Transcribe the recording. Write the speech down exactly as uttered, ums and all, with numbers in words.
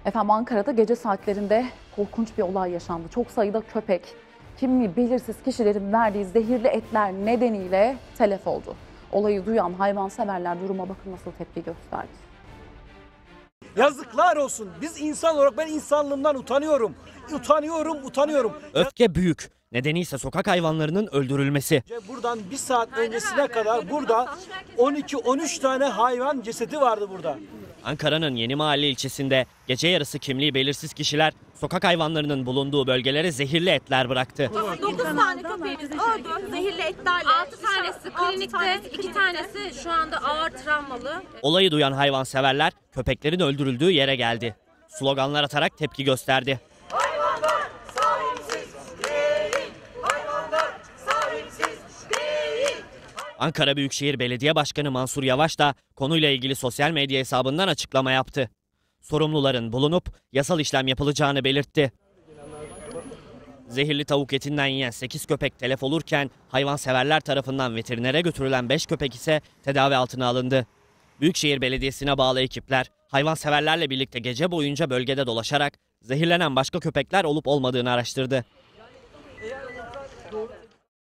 Efendim Ankara'da gece saatlerinde korkunç bir olay yaşandı. Çok sayıda köpek, kimliği belirsiz kişilerin verdiği zehirli etler nedeniyle telef oldu. Olayı duyan hayvanseverler duruma bakın nasıl tepki gösterdi. Yazıklar olsun. Biz insan olarak ben insanlığımdan utanıyorum. Utanıyorum, utanıyorum. Öfke büyük. Nedeni ise sokak hayvanlarının öldürülmesi. Buradan bir saat öncesine kadar burada on iki on üç tane hayvan cesedi vardı burada. Ankara'nın Yenimahalle ilçesinde gece yarısı kimliği belirsiz kişiler sokak hayvanlarının bulunduğu bölgelere zehirli etler bıraktı. dokuz tane köpeğimiz öldü. Zehirli etlerle. altı tanesi klinikte, iki tanesi şu anda ağır travmalı. Olayı duyan hayvanseverler köpeklerin öldürüldüğü yere geldi. Sloganlar atarak tepki gösterdi. Hayvanlar sahipsiz değil. Hayvanlar sahipsiz değil. Ankara Büyükşehir Belediye Başkanı Mansur Yavaş da konuyla ilgili sosyal medya hesabından açıklama yaptı. Sorumluların bulunup yasal işlem yapılacağını belirtti. Zehirli tavuk etinden yiyen sekiz köpek telef olurken hayvanseverler tarafından veterinere götürülen beş köpek ise tedavi altına alındı. Büyükşehir Belediyesi'ne bağlı ekipler hayvanseverlerle birlikte gece boyunca bölgede dolaşarak zehirlenen başka köpekler olup olmadığını araştırdı.